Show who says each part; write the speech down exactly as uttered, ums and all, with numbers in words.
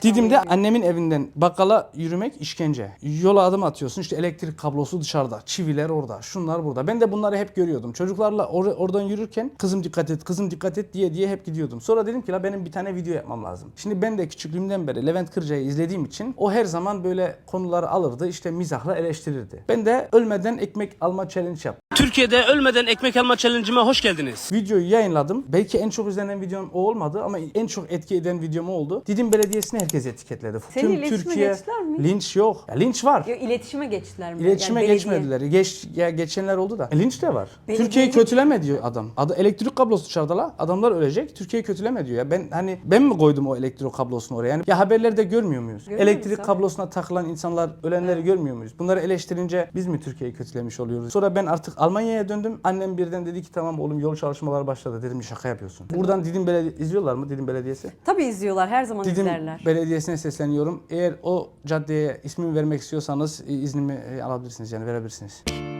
Speaker 1: Didim'de annemin evinden bakkala yürümek işkence. Yola adım atıyorsun, işte elektrik kablosu dışarıda, çiviler orada, şunlar burada. Ben de bunları hep görüyordum. Çocuklarla or- oradan yürürken kızım dikkat et, kızım dikkat et diye diye hep gidiyordum. Sonra dedim ki la benim bir tane video yapmam lazım. Şimdi ben de küçüklüğümden beri Levent Kırca'yı izlediğim için o her zaman böyle konuları alırdı, işte mizahla eleştirirdi. Ben de ölmeden ekmek alma challenge yaptım.
Speaker 2: Türkiye'de ölmeden ekmek alma challenge'ıma hoş geldiniz.
Speaker 1: Videoyu yayınladım. Belki en çok izlenen videom o olmadı ama en çok etki eden videom o oldu. Didim Belediyesi'ni herkes etiketledi.
Speaker 3: Seni iletişime geçtiler mi?
Speaker 1: Linç yok. Ya, linç var.
Speaker 3: Ya, iletişime geçtiler mi?
Speaker 1: İletişime
Speaker 3: Yani belediye.
Speaker 1: geçmediler. Geç, ya geçenler oldu da. E, linç de var.
Speaker 3: Belediye
Speaker 1: Türkiye'yi
Speaker 3: mi?
Speaker 1: kötüleme diyor adam. Adı elektrik kablosu dışarıda la. Adamlar ölecek. Türkiye'yi kötüleme diyor ya. Ben hani ben mi koydum o elektrik kablosunu oraya? Yani ya haberlerde görmüyor muyuz?
Speaker 3: Görüyoruz
Speaker 1: elektrik
Speaker 3: tabii.
Speaker 1: kablosuna takılan insanlar, ölenleri
Speaker 3: Evet.
Speaker 1: görmüyor muyuz? Bunları eleştirince biz mi Türkiye'yi kötülemiş oluyoruz? Sonra ben artık Almanya'ya döndüm. Annem birden dedi ki tamam oğlum yol çalışmaları başladı. Dedim şaka yapıyorsun. Buradan Didim Belediye izliyorlar mı Didim Belediyesi?
Speaker 3: Tabii izliyorlar, her zaman
Speaker 1: Didim
Speaker 3: izlerler.
Speaker 1: Belediyesi'ne sesleniyorum. Eğer o caddeye ismimi vermek istiyorsanız e, iznimi e, alabilirsiniz yani verebilirsiniz.